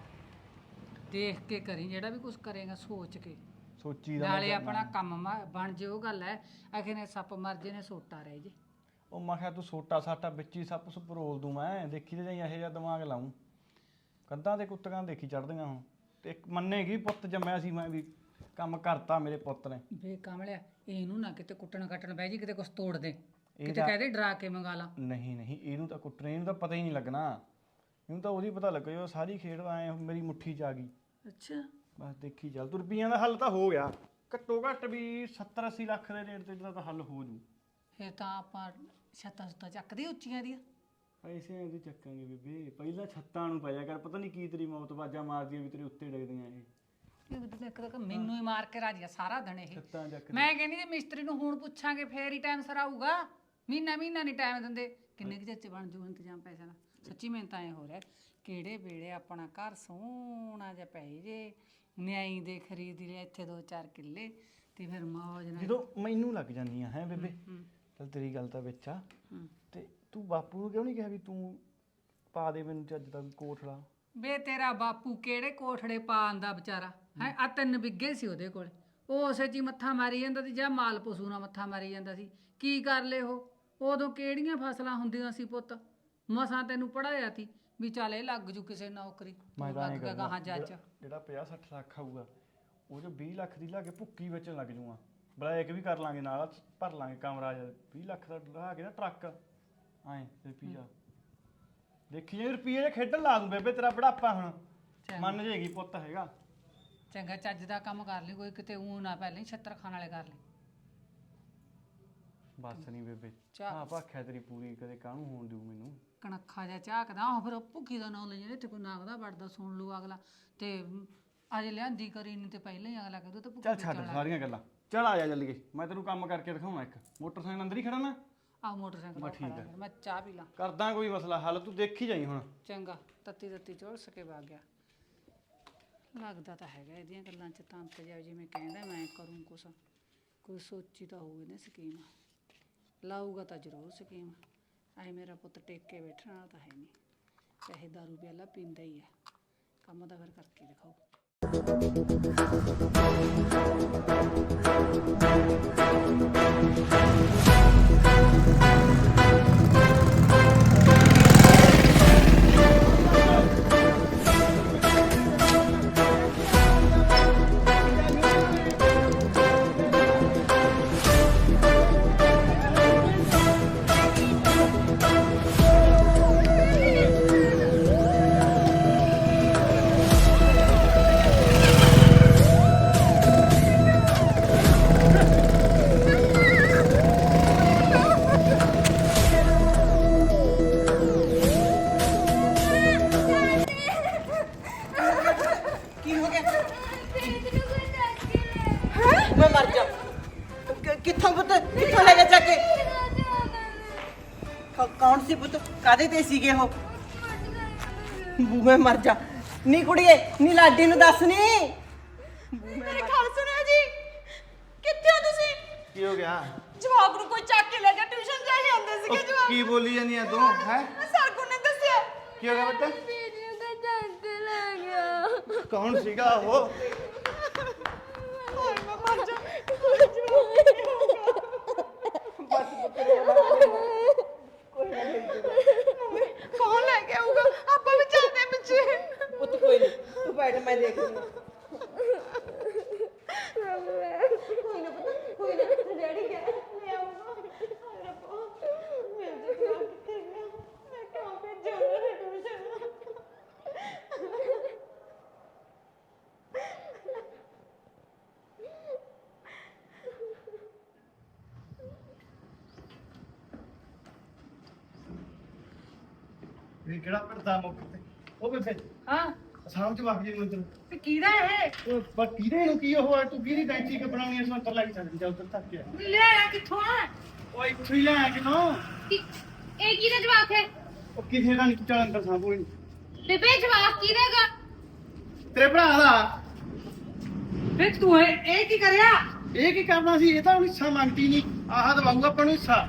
ਦੇਖ ਕੇ ਕਰੀ, ਜਿਹੜਾ ਵੀ ਕੁਝ ਕਰੇਗਾ ਸੋਚ ਕੇ। ਸੋਚੀ ਦਾ ਨਾਲੇ ਆਪਣਾ ਕੰਮ ਮ- ਬਣ ਜੇ, ਉਹ ਗੱਲ ਹੈ। ਆਖੇ ਨੇ ਸੱਪ ਮਰ ਜੇ ਨੇ ਸੋਟਾ ਰਹਿ ਜੇ। ਉਹ ਮੈਂ ਕਿਹਾ ਤੂੰ ਸੋਟਾ ਸਾਟਾ ਵਿੱਚ ਹੀ ਸੱਪ ਸੁੱਪ ਰੋਲ ਦੂੰ, ਮੈਂ ਦੇਖੀ ਤੇ ਜਾਈ ਇਹੋ ਜਿਹਾ ਦਿਮਾਗ ਲਾਊਂ। ਕੰਧਾਂ ਤੇ ਕੁੱਤਕਾਂ ਦੇਖੀ ਚੜਦੀਆਂ ਹੁਣ, ਤੇ ਇੱਕ ਮੰਨੇਗੀ ਪੁੱਤ ਜੰਮਿਆ ਸੀ ਮੈਂ ਵੀ, ਕੰਮ ਕਰਤਾ ਮੇਰੇ ਪੁੱਤ ਨੇ। ਵੇ ਕਮਲਿਆ, ਇਹਨੂੰ ਨਾ ਕਿਤੇ ਕੁੱਟਣ ਕੱਟਣ ਬਹਿ ਜੀ, ਕਿਤੇ ਕੁਝ ਤੋੜ ਦੇ, ਕਿਤੇ ਤਾਂ- ਕਹਦੇ ਡਰਾ ਕੇ ਮੰਗਾ ਲਾ। ਨਹੀਂ ਨਹੀਂ, ਇਹਨੂੰ ਤਾਂ ਕੁੱਟਣੇ, ਇਹਨੂੰ ਤਾਂ ਪਤਾ ਹੀ ਨਹੀਂ ਲੱਗਣਾ, ਇਹਨੂੰ ਤਾਂ ਉਹਦੀ ਪਤਾ ਲੱਗਾ ਜੋ ਸਾਰੀ ਖੇਡ ਐ ਮੇਰੀ ਮੁੱਠੀ 'ਚ ਆ ਗਈ। ਅੱਛਾ ਬਸ ਦੇਖੀ ਚੱਲ, ਤੂੰ ਰੁਪਈਆਂ ਦਾ ਹੱਲ ਤਾਂ ਹੋ ਗਿਆ, ਘੱਟੋ ਘੱਟ ਵੀ ਸੱਤਰ ਅੱਸੀ ਲੱਖ ਦੇ ਰੇਟ ਤੇ ਇਹਦਾ ਤਾਂ ਹੱਲ ਹੋ ਜੂ। ਫਿਰ ਤਾਂ ਆਪਾਂ ਛੱਤਾਂ ਛੱਤਾਂ ਚੱਕਦੇ ਉੱਚੀਆਂ ਦੀਆਂ। ਪੈਸੇ ਇਹਦੇ ਚੱਕਾਂਗੇ ਬੇਬੇ, ਪਹਿਲਾਂ ਛੱਤਾਂ ਨੂੰ ਪਾਇਆ ਕਰ, ਪਤਾ ਨਹੀਂ ਕੀ ਤੇਰੀ ਮੌਤ ਬਾਜਾ ਮਾਰਦੀਆਂ ਵੀ ਤੇਰੇ ਉੱਤੇ ਡਿੱਗਦੀਆਂ ਇਹ ਇਹ ਤਾਂ ਇੱਕ ਤਾਂ ਮੈਨੂੰ ਹੀ ਮਾਰ ਕੇ ਰਾਜੀ ਆ ਸਾਰਾ ਦਿਨ ਇਹ। ਛੱਤਾਂ ਚੱਕ। ਮੈਂ ਕਹਿੰਦੀ ਜੇ ਮਿਸਤਰੀ ਨੂੰ ਹੁਣ ਪੁੱਛਾਂਗੇ ਫੇਰ ਹੀ ਟਾਈਮ ਸਿਰ ਆਊਗਾ, ਮਹੀਨਾ ਮਹੀਨਾ ਨਹੀਂ ਟਾਈਮ ਦਿੰਦੇ। ਕਿੰਨੇ ਕੁ ਚਿਰ 'ਚ ਬਣ ਜੂ ਇੰਤਜ਼ਾਮ ਪੈਸੇ ਦਾ? ਸੱਚੀ ਮੈਨੂੰ ਤਾਂ ਐ ਹੋ ਰਿਹਾ ਕਿਹੜੇ ਵੇਲੇ ਆਪਣਾ ਘਰ ਸੋਹਣਾ ਜਿਹਾ ਪੈ ਜੇ, ਨਿਆਈ ਦੇ ਖਰੀਦ ਲਿਆ ਇੱਥੇ ਦੋ ਚਾਰ ਕਿੱਲੇ, ਤੇ ਫਿਰ ਮੌਜ ਨਾਲ। ਜਦੋਂ ਮੈਨੂੰ ਲੱਗ ਜਾਂਦੀਆਂ ਹੈ ਬੇਬੇ, ਚੱਲ ਤੇਰੀ ਗੱਲ ਤਾਂ ਵਿੱਚ ਆ, ਤੇ ਤੂੰ ਬਾਪੂ ਨੂੰ ਕਿਉਂ ਨਹੀਂ ਕਿਹਾ ਵੀ ਤੂੰ ਪਾ ਦੇ ਮੈਨੂੰ ਚੱਜ ਦਾ ਕੋਠੜਾ? ਵੇ ਤੇਰਾ ਬਾਪੂ ਕਿਹੜੇ ਕੋਠੜੇ ਪਾਣ ਦਾ ਵਿਚਾਰਾ ਹੈ, ਆ ਤਿੰਨ ਬਿੱਗੇ ਸੀ ਉਹਦੇ ਕੋਲ, ਉਹ ਉਸੇ 'ਚ ਹੀ ਮੱਥਾ ਮਾਰੀ ਜਾਂਦਾ ਸੀ, ਜਾਂ ਮਾਲ ਪਸ਼ੂ ਨਾਲ ਮੱਥਾ ਮਾਰੀ ਜਾਂਦਾ ਸੀ। ਕੀ ਕਰ ਲੇ ਉਹ, ਉਦੋਂ ਕਿਹੜੀਆਂ ਫਸਲਾਂ ਹੁੰਦੀਆਂ ਸੀ ਪੁੱਤ, ਮਸਾਂ ਤੈਨੂੰ ਪੜਾਇਆ ਸੀ ਵੀ ਚੱਲ ਇਹ ਲੱਗ ਜੂ ਕਿਸੇ ਨੌਕਰੀ, ਮੈਂ ਤੂੰ ਤਾਂ ਲੱਗ ਐਂ ਗਿਆ ਗਾਹਾਂ ਕਰਦਾ, ਜੱਜ। ਜਿਹੜਾ- ਜਿਹੜਾ ਪੰਜਾਹ ਸੱਠ ਲੱਖ ਆਊਗਾ ਉਹ ਜੋ ਵੀਹ ਲੱਖ ਦੀ ਲਾ ਕੇ ਭੁੱਕੀ ਵਿੱਚ ਲੱਗ ਜੂਗਾ, ਬਲੈਕ ਵੀ ਕਰ ਲਾਂਗੇ ਨਾਲ, ਭਰ ਲਾਂਗੇ ਕਮਰਾ ਜਿਹਾ, ਵੀਹ ਲੱਖ ਦਾ ਲਾ ਕੇ ਨਾ ਟਰੱਕ ਐਂ ਰੁਪਈਆ ਦੇਖੀ ਜੇ ਰੁਪਈਏ ਜੇ ਖੇਡਣ ਲਾ ਦੂੰ ਬੇਬੇ, ਤੇਰਾ ਬੜਾਪਾ ਹੁਣ ਮੰਨ ਜੇਗੀ ਪੁੱਤ ਹੈਗਾ। ਚੰਗਾ ਚੱਜ ਦਾ ਕੰਮ ਕਰ ਲਈ ਕੋਈ, ਕਿਤੇ ਊਂ ਨਾ ਪਹਿਲਾਂ ਹੀ ਛੱਤਰ ਖਾਣ ਵਾਲੇ ਕਰ ਲਈ। ਬਸ ਨਹੀਂ ਬੇਬੇ ਚਾਹ। ਹਾਂ ਭਾਖਿਆ ਤੇਰੀ ਪੂਰੀ ਕਦੇ ਕਾਹਨੂੰ ਹੋਣ ਦਿਓ ਮੈਨੂੰ। ਕਣਖਾ ਜਿਹਾ ਝਾਕਦਾ ਉਹ ਫਿਰ ਭੁੱਕੀ ਦਾ ਨਾਂ ਲੈ ਜਾਂਦੇ ਇੱਥੇ ਕੋਈ ਨਾਗਦਾ ਵੜਦਾ ਸੁਣ ਲੂ ਅਗਲਾ ਤੇ ਅਜੇ ਲਿਆਂਦੀ ਕਰੀ ਨਹੀਂ ਤੇ ਪਹਿਲਾਂ ਹੀ ਅਗਲਾ ਕਹਿੰਦਾ ਤੇ ਭੁੱਕੀ ਚੱਲ ਛੱਡ ਸਾਰੀਆਂ ਗੱਲਾਂ, ਚੱਲ ਆ ਜਾ ਜਲਦੀ ਕੇ, ਮੈਂ ਤੈਨੂੰ ਕੰਮ ਕਰਕੇ ਦਿਖਾਉਣਾ ਇੱਕ। ਮੋਟਰਸਾਈਕਲ ਅੰਦਰ ਹੀ ਖੜਾ ਨਾ, ਆ ਮੋਟਰਸਾਈਕਲ ਬਸ ਤੇ ਠੀਕ ਖੜਾ ਆ। ਕਰ, ਮੈਂ ਚਾਹ ਪੀ ਲਾਂ। ਕਰਦਾ ਕੋਈ ਮਸਲਾ ਹੱਲ, ਤੂੰ ਦੇਖੀ ਜਾਈ ਹੁਣ। ਚੰਗਾ ਤੱਤੀ ਤੱਤੀ ਚੋਲ ਸਕੇ ਵਗ ਗਿਆ। ਲੱਗਦਾ ਤਾਂ ਹੈਗਾ ਇਹਦੀਆਂ ਗੱਲਾਂ 'ਚ ਤੰਤ ਜਾ ਜਿਵੇਂ ਕਹਿੰਦਾ ਮੈਂ ਕਰੂੰ ਕੁਛ, ਕੋਈ ਸੋਚੀ ਤਾਂ ਹੋਊਗੀ ਨਾ ਸਕੀਮ, ਲਾਊਗਾ ਤਾਂ ਜ਼ਰੂਰ ਸਕੀਮ। ਐ ਮੇਰਾ ਪੁੱਤ ਟੇਕ ਕੇ ਬੈਠਣ ਵਾਲਾ ਤਾਂ ਹੈ ਨਹੀਂ, ਚਾਹੇ ਦਾਰੂ ਪਿਆਲਾ ਪੀਂਦਾ ਹੀ ਹੈ, ਕੰਮ ਤਾਂ ਫਿਰ ਕਰਕੇ ਦਿਖਾਓ। ਕੀ ਹੋ ਗਿਆ? ਮੈਂ ਮਰ ਜਾ। ਕਿ- ਕਿੱਥੋਂ ਪੁੱਤ, ਕਿੱਥੋਂ ਲੈ ਗਿਆ ਚੱਕ ਕੇ? ਕ- ਕੌਣ ਸੀ ਪੁੱਤ, ਕਾਦੇ ਤੇ ਸੀਗੇ ਉਹ? ਬੂਹੇ ਮਰ ਜਾ। ਨੀ ਕੁੜੀਏ, ਨੀ ਲਾਡੀ ਨੂੰ ਦੱਸ ਨੀ। ਮੇਰੇ ਖਲ ਸੁਣਿਓ ਜੀ, ਕਿੱਥੇ ਹੋ ਤੁਸੀਂ? ਕੀ ਹੋ ਗਿਆ? ਜਵਾਬ ਨੂੰ ਕੋਈ ਚੱਕ ਕੇ ਲੈ ਗਿਆ, ਟਿਊਸ਼ਨ ਜਾ ਕੇ ਆਉਂਦੇ ਸੀਗੇ ਜਵਾਬ। ਕੀ ਬੋਲੀ ਜਾਂਦੀ ਆ ਤੂੰ ਹੈ? ਸਾਗੂ ਨੇ ਦੱਸਿਆ ਕੀ ਹੋ ਗਿਆ ਬੱਤਾ? ਵੀਡੀਓ ਦਾ ਜੱਗ ਲੱਗ ਗਿਆ। ਕੌਣ ਸੀਗਾ ਉਹ? ਹਾਏ ਮੈਂ ਮਰ ਜਾ। ਕੌਣ ਲੈ ਕੇ ਆਊਗਾ? ਆਪਾਂ ਵੀ ਚੱਲਦੇ ਪਿੱਛੇ। ਪੁੱਤ ਕੋਈ ਨਹੀਂ, ਤੂੰ ਬੈਠ, ਮੈਂ ਦੇਖਦੀ ਹਾਂ। ਕੋਈ ਨਾ ਪਤਾ, ਕੋਈ ਨਾ, ਡੈਡੀ ਗਿਆ ਲੈ ਆਊਗਾ। ਹਾਏ ਰੱਬਾ, ਮੇਰੇ ਤੇ ਜਵਾਬ ਕਿੱਥੇ ਗਿਆ? ਮੈਂ ਕਿਉਂ ਭੇਜਿਆ ਉਹਨਾਂ ਨੂੰ ਟਿਊਸ਼ਨ? ਇਹ ਕਿਹੜਾ ਪਰਦਾ ਮੁੱਕ ਤੇ ਉਹ ਬੇਬੇ ਹਾਂ ਸਾਹਮ ਚ ਵਗ ਜੀ ਨੂੰ ਇੱਧਰ। ਤੇ ਕਿਹਦਾ ਇਹ? ਉਹ ਪਰ ਕਿਹਦੇ ਨੂੰ ਕੀ ਉਹ ਹੈ? ਤੂੰ ਕਿਹਦੀ ਟੈਂਕੀ ਕਿ ਬਣਾਉਣੀ ਐ? ਸੰਤਰ ਲੱਗ ਸਕਦੀ ਜਾ ਉੱਧਰ ਤੱਕ ਗਿਆ। ਲਿਆਇਆ ਕਿੱਥੋਂ ਆ? ਓਏ ਇੱਥੋਂ ਹੀ ਲੈ ਆ ਕਿਥੋਂ? ਇਹ ਕਿਹਦਾ ਜਵਾਬ ਹੈ? ਉਹ ਕਿਸੇ ਦਾ ਨਹੀਂ, ਚੱਲ ਅੰਦਰ ਸਾਂਭੋ। ਬੇਬੇ ਜਵਾਬ ਕਿਹਦਾਗਾ? ਤੇਰੇ ਭਰਾ ਦਾ। ਵੇ ਤੂੰ ਇਹ ਇਹ ਕੀ ਕਰਿਆ? ਇਹ ਕੀ ਕਰਨਾ ਸੀ? ਇਹ ਤਾਂ ਹੁਣ ਹਿੱਸਾ ਮੰਗਦੀ ਨਹੀਂ, ਆਹ ਦਵਾਊਗਾ ਆਪਾਂ ਨੂੰ ਹਿੱਸਾ।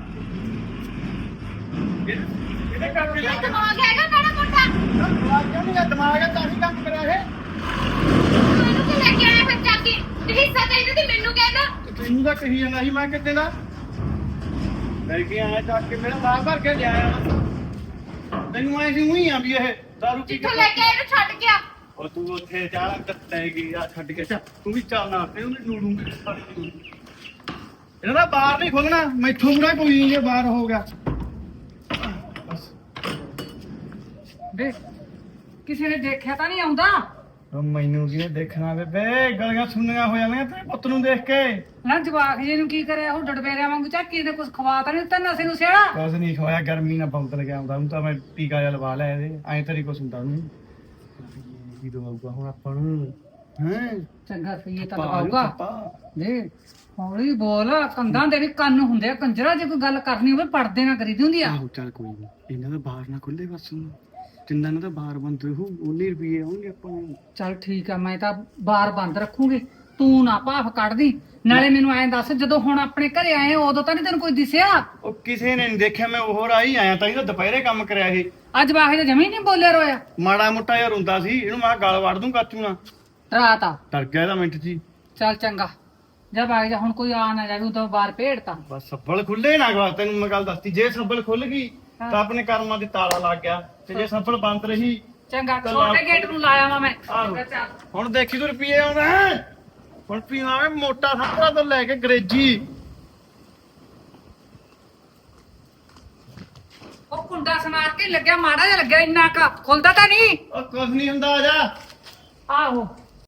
ਇਹ- ਇਹਦੇ ਕਰਕੇ ਇਹ ਦਿਮਾਗ ਹੈਗਾ ਮੇਰਾ ਮੋਟਾ? ਦਿਮਾਗ ਕਿਉਂ ਨਹੀਂ? ਦਿਮਾਗ ਹੈ ਤਾਂ ਹੀ ਕੰਮ ਕਰਿਆ ਇਹ। ਮੈਨੂੰ ਕਿ ਲੈ ਕੇ ਆਇਆ ਫਿਰ ਚੱਕ ਕੇ? ਤੇ ਹਿੱਸਾ ਚਾਹੀਦਾ ਤੇ ਮੈਨੂੰ ਕਹਿੰਦਾ। ਤੈਨੂੰ ਤਾਂ ਕਹੀ ਜਾਂਦਾ ਸੀ ਮੈਂ ਕਿਤੇ ਦਾ ਲੈ ਕੇ ਆਇਆ ਚੱਕ ਕੇ, ਮੇਰਾ ਬਾਹਰ ਭਰ ਕੇ ਲਿਆਇਆ। ਤੈਨੂੰ ਆਏ ਸੀ ਉਹੀ ਆ ਵੀ ਇਹ ਦਾਰੂ ਪੀ ਜਿੱਥੋਂ ਲੈ ਕੇ ਆਇਆ ਇਹਨੂੰ ਛੱਡ ਗਿਆ। ਉਹ ਤੂੰ ਉੱਥੇ ਚਾਹ ਕੱਟੇ ਗਈ ਆ ਛੱਡ ਕੇ, ਚੱਲ ਤੂੰ ਵੀ ਚੱਲ ਨਾਲ ਤੇ ਉਹਨੂੰ ਨੂੜੂੰਗੀ। ਇਹਨਾਂ ਦਾ ਬਾਹਰ ਨਹੀਂ ਖੋਲਣਾ, ਮੈਥੋਂ ਬੁਰਾ ਕੋਈ ਨਹੀਂ ਜੇ ਬਾਹਰ ਹੋ ਗਿਆ। ਬਸ ਵੇ ਕਿਸੇ ਨੇ ਦੇਖਿਆ ਤਾਂ ਨਹੀਂ ਆਉਂਦਾ? ਉਹ ਮੈਨੂੰ ਕੀ ਦੇਖਣਾ ਬੇਬੇ, ਗਲੀਆਂ ਸੁਣਨੀਆਂ ਹੋ ਜਾਂਦੀਆਂ ਤੇਰੇ ਪੁੱਤ ਨੂੰ ਦੇਖ ਕੇ। ਨਾ ਜਵਾਕ ਜੀ ਨੂੰ ਕੀ ਕਰਿਆ? ਉਹ ਡੜਬੇਰਿਆਂ ਵਾਂਗੂ ਝਾਕੀ ਨੇ ਕੁਝ ਖਵਾ ਤਾਂ ਨਹੀਂ ਦਿੱਤਾ ਨਸੇ ਨੂੰ ਸਿਹੜਾ? ਕੁਛ ਨਹੀਂ ਖਵਾਇਆ, ਗਰਮੀ ਨਾਲ ਬਹੁਤ ਲੱਗਿਆ ਹੁੰਦਾ ਹੁਣ ਤਾਂ ਮੈਂ ਟੀਕਾ ਜਿਹਾ ਲਵਾ ਲਿਆ ਇਹਦੇ, ਐਂ ਤੇਰੀ ਕੁਛ ਹੁੰਦਾ ਉਹਨੂੰ। ਕੀ ਦਵਾਊਗਾ ਹੁਣ ਆਪਾਂ ਨੂੰ? ਹੈਂ ਚੰਗਾ ਸਹੀ ਤਾਂ ਪਾ ਲਵਾਊਗਾ। ਪਾ। ਦੇ ਹੌਲੀ ਬੋਲ, ਕੰਧਾਂ ਦੇ ਵੀ ਕੰਨ ਹੁੰਦੇ ਆ ਕੰਜਰਾ, ਜੇ ਕੋਈ ਗੱਲ ਕਰਨੀ ਹੋਵੇ ਪੜਦੇ ਨਾ ਕਰੀਦੀ ਹੁੰਦੀ ਆ। ਆਹੋ ਚੱਲ ਕੋਈ ਨਹੀਂ, ਇਹਨਾਂ ਦਾ ਬਾਹਰ ਨਾ ਖੁੱਲੇ ਬਸ ਹੁਣ। ਤਿੰਨਾਂ ਨੂੰ ਤਾਂ ਬਾਹਰ ਬੰਦ ਰਹੂ, ਉਨੇ ਰੁਪਏ ਆਉਣਗੇ ਆਪਾਂ ਨੂੰ। ਚੱਲ ਠੀਕ ਆ, ਮੈਂ ਤਾਂ ਬਾਰ ਬੰਦ ਰੱਖੂਗੀ, ਤੂੰ ਨਾ ਭਾਫ ਕੱਢਦੀ। ਨਾਲੇ ਮੈਨੂੰ ਐਂ ਦੱਸ, ਜਦੋਂ ਹੁਣ ਆਪਣੇ ਘਰੇ ਆਏ ਉਦੋਂ ਤਾਂ ਨਹੀਂ ਤੈਨੂੰ ਕੋਈ ਦਿਸਿਆ? ਉਹ ਕਿਸੇ ਨੇ ਨਹੀਂ ਦੇਖਿਆ, ਮੈਂ ਉਹ ਰਾਈ ਆਇਆ ਤਾਂ ਇਹਦਾ ਦੁਪਹਿਰੇ ਕੰਮ ਕਰਿਆ ਇਹ। ਅੱਜ ਵਾਹੇ ਤਾਂ ਜਮੀ ਨਹੀਂ ਬੋਲਿਆ ਰੋਇਆ। ਮਾੜਾ ਮੋਟਾ ਜਿਹਾ ਰੋਂਦਾ ਸੀ, ਇਹਨੂੰ ਮੈਂ ਗਲ ਵੜ ਦੂੰ ਕਾਚੂ ਨਾਲ। ਰਾਤ ਆ। ਡਰ ਗਿਆ ਇਹਦਾ ਮਿੰਟ ਜੀ। ਚੱਲ ਚੰਗਾ, ਜਦ ਆ ਜਾ, ਹੁਣ ਕੋਈ ਆ ਨਾ ਜਾਵੇ ਉਦੋਂ ਬਾਹਰ ਭੇੜਤਾ। ਬਸ ਸੱਬਲ ਖੁੱਲੇ ਨਾ ਗਵਾ, ਤੈਨੂੰ ਮੈਂ ਗੱਲ ਦੱਸਤੀ, ਜੇ ਸੱਬਲ ਖੁੱਲ ਗਈ ਤਾਂ ਆਪਣੇ ਕਰਮਾਂ ਦੇ ਤਾਲਾ ਲੱਗ ਗਿਆ, ਤੇ ਜੇ ਸੱਬਲ ਬੰਦ ਰਹੀ। ਚੰਗਾ, ਛੋਟੇ ਗੇਟ ਨੂੰ ਲਾਇਆ ਵਾ ਮੈਂ। ਆਹੋ। ਚੱਲ। ਹੁਣ ਦੇਖੀ ਤੂੰ ਰੁਪਏ ਆਉਂਦਾ ਹੁਣ ਪੀਵਾਂਗੇ ਮੋਟਾ ਸੰਤਰਾ ਤੋਂ ਲੈ ਕੇ ਅੰਗਰੇਜ਼ੀ। ਉਹ ਕੁੰਡਾ ਸਮਾਰ ਕੇ ਲੱਗਿਆ, ਮਾੜਾ ਜਿਹਾ ਲੱਗਿਆ, ਇੰਨਾ ਕਾ ਖੁੱਲਦਾ ਤਾਂ ਨਹੀਂ। ਉਹ ਕੁਝ ਨਹੀਂ ਹੁੰਦਾ, ਆ ਜਾ। ਆਹੋ